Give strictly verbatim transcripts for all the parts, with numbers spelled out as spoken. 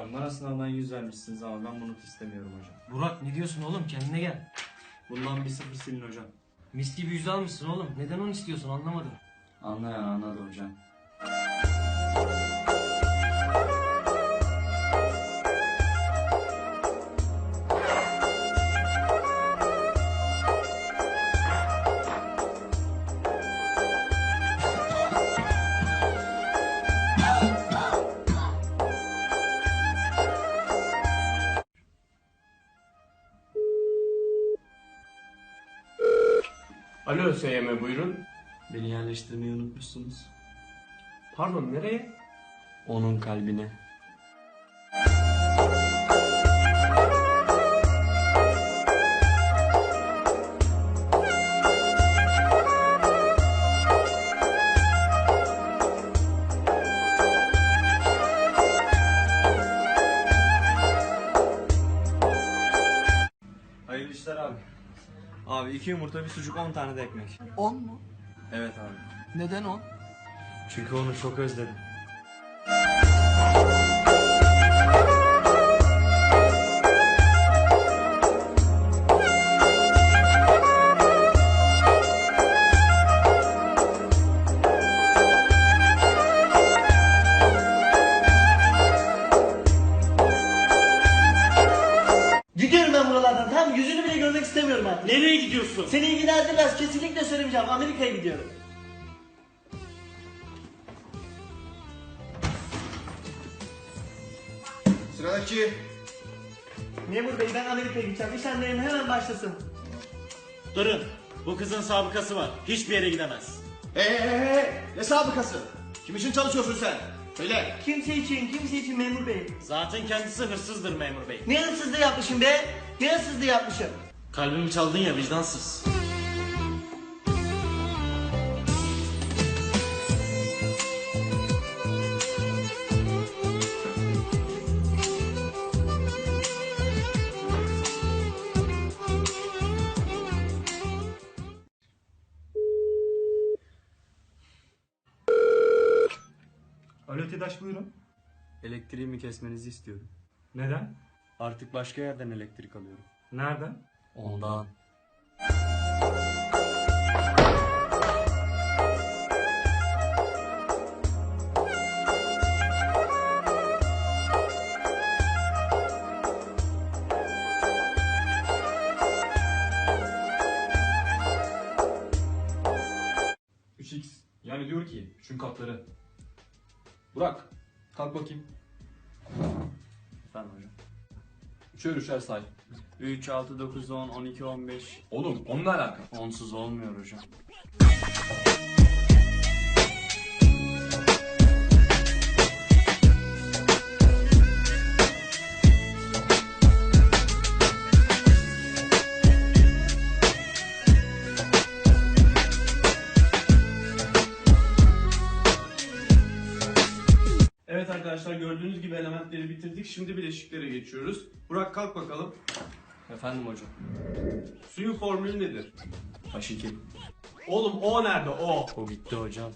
Hocam bana sınavdan yüz vermişsiniz ama ben bunu istemiyorum hocam. Burak ne diyorsun oğlum, kendine gel. Bundan bir sıfır silin hocam. Mis gibi yüz almışsın oğlum. Neden onu istiyorsun anlamadım. Anlayan anladı hocam. Alo S Y M, buyurun. Beni yerleştirmeyi unutmuşsunuz. Pardon, nereye? Onun kalbine. Hayırlı işler abi. Abi iki yumurta, bir sucuk, on tane de ekmek. On mu? Evet abi. Neden on? Çünkü onu çok özledim. Gidiyorum ben buralardan. Tamam, yüzünü bile görmek istemiyorum artık. Nereye gidiyorsun? Seni ilgilendirmez. Kesinlikle söylemeyeceğim. Amerika'ya gidiyorum. Sıradaki. Memur bey, ben Amerika'ya gideceğim. İş anlayın, hemen başlasın. Durun. Bu kızın sabıkası var. Hiçbir yere gidemez. Eee ne sabıkası? Kim için çalışıyorsun sen? Söyle. Kimse için, kimse için memur bey. Zaten kendisi hırsızdır memur bey. Ne hırsızlığı yapmışım be? Ne hırsızlığı yapmışım? Kalbimi çaldın ya, vicdansız. Alo TEDAŞ, buyurun. Elektriğimi kesmenizi istiyorum. Neden? Artık başka yerden elektrik alıyorum. Nereden? Ondan. üç x. Yani diyor ki üçün katları. Burak, kalk bakayım. Efendim hocam. Üçer üçer say. üç, altı, dokuz, on, on iki, on beş. Oğlum onunla alaka. Onsuz olmuyor hocam. Evet arkadaşlar, gördüğünüz gibi elementleri bitirdik. Şimdi bileşiklere geçiyoruz. Burak, kalk bakalım. Efendim hocam. Suyun formülü nedir? H iki. Oğlum O nerede, O? O gitti hocam.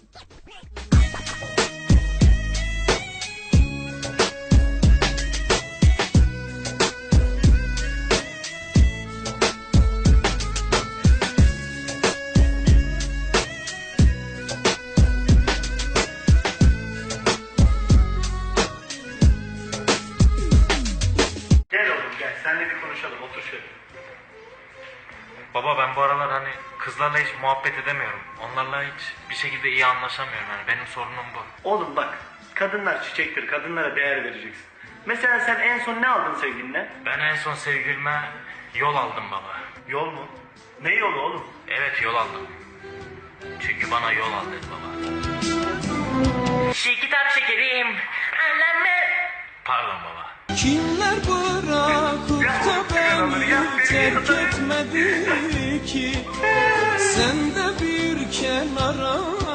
Gel oğlum gel. Seninle bir konuşalım. Otur şöyle. Baba, ben bu aralar hani kızlarla hiç muhabbet edemiyorum. Onlarla hiç bir şekilde iyi anlaşamıyorum yani. Benim sorunum bu. Oğlum bak, kadınlar çiçektir, kadınlara değer vereceksin. Mesela sen en son ne aldın sevgiline? Ben en son sevgilime yol aldım baba. Yol mu? Ne yolu oğlum? Evet, yol aldım. Çünkü bana yol al dedi baba. Şey kitap şekerim. Anlamı. Pardon baba. Kimler bırakıp da beni terk etmedi ki? Sen de bir kenara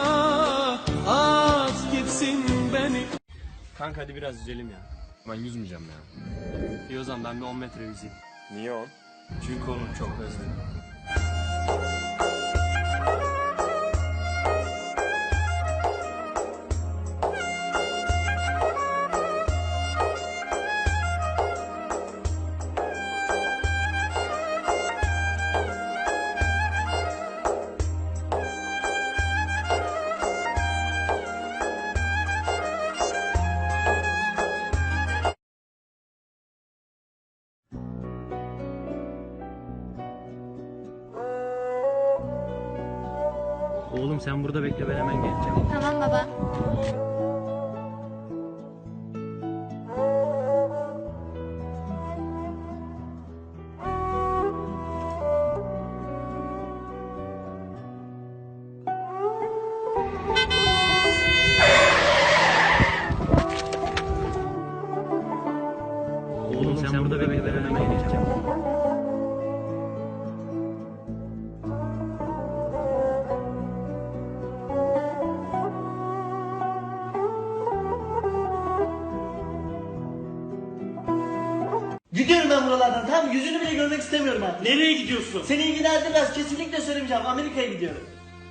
at gitsin beni. Kanka hadi biraz yüzelim ya. Ben yüzmeyeceğim ya. İyi o zaman ben bir on metre yüzeyim. Niye on? Çünkü onu çok özledim. Oğlum sen burada bekle, ben hemen geleceğim. Tamam baba. Oğlum sen burada bekle, ben hemen geleceğim. Gidiyorum ben buralardan. Tamam, yüzünü bile görmek istemiyorum artık. Nereye gidiyorsun? Seni ilgilendirmez. Kesinlikle söylemeyeceğim. Amerika'ya gidiyorum.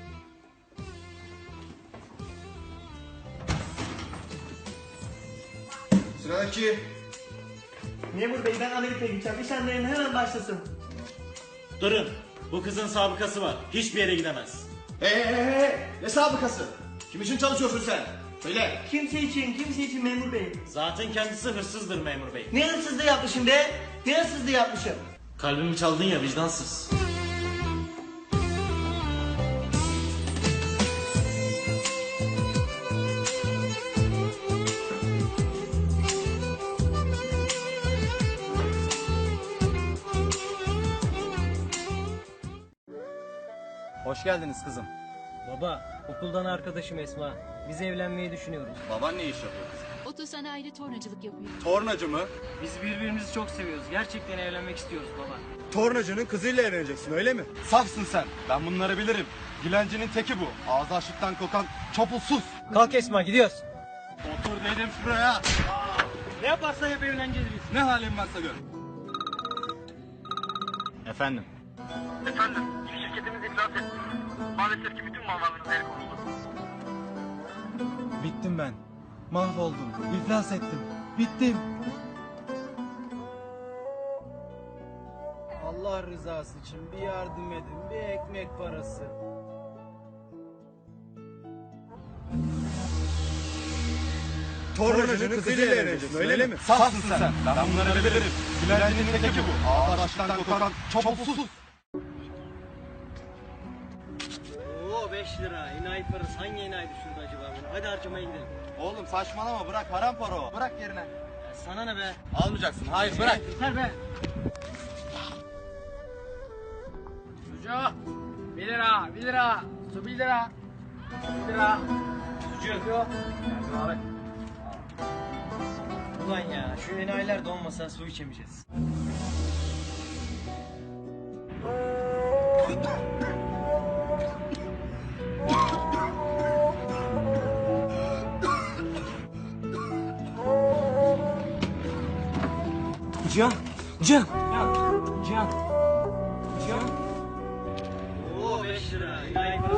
Sıradaki. Memur bey, ben Amerika'ya gideceğim. İşlemlerim hemen başlasın. Durun. Bu kızın sabıkası var. Hiçbir yere gidemez. Hey hey hey hey. Ne sabıkası? Kim için çalışıyorsun sen? Söyle. Kimse için, kimse için memur bey. Zaten kendisi hırsızdır memur bey. Ne hırsızlığı yapmışım be? Ne hırsızlığı yapmışım? Kalbimi çaldın ya, vicdansız. Hoş geldiniz kızım. Baba, okuldan arkadaşım Esma. Biz evlenmeyi düşünüyoruz. Baban ne iş yapıyor kızım? Otosanayide tornacılık yapıyor. Tornacı mı? Biz birbirimizi çok seviyoruz. Gerçekten evlenmek istiyoruz baba. Tornacının kızıyla evleneceksin öyle mi? Safsın sen. Ben bunları bilirim. Dilencinin teki bu. Ağzı açlıktan kokan çopulsuz. Kalk Esma, gidiyoruz. Otur dedim şuraya. Ne yaparsan hep evleneceğiz biz. Ne halin varsa gör. Efendim? Efendim, şirketimiz iflas etti. Maalesef ki bütün mallarımız el konuldu. Bittim ben. Mahvoldum. İflas ettim. Bittim. Allah rızası için bir yardım edin, bir ekmek parası. Tornacının kızıyla evleneceksin öyle mi? Safsın sen. Ben bunları bilirim. Dilencinin teki bu. Ağzı açlıktan kokan çopulsuz. Oo beş lira. Enayi parası. Hangi enayi düşürdü acaba bunu? Hadi harcamaya gidelim. Oğlum saçmalama bırak haram para o. Bırak yerine. Ya sana ne be? Almayacaksın. Hayır bırak. Yeter be. Sucu, bir lira, bir lira, su bir lira, bir lira. Sucu. Abi. Ulan ya, şu enayiler de olmasa su içemeyeceğiz. Cihan, Cihan. Cihan. Cihan. Oo beş lira. Enayi parası.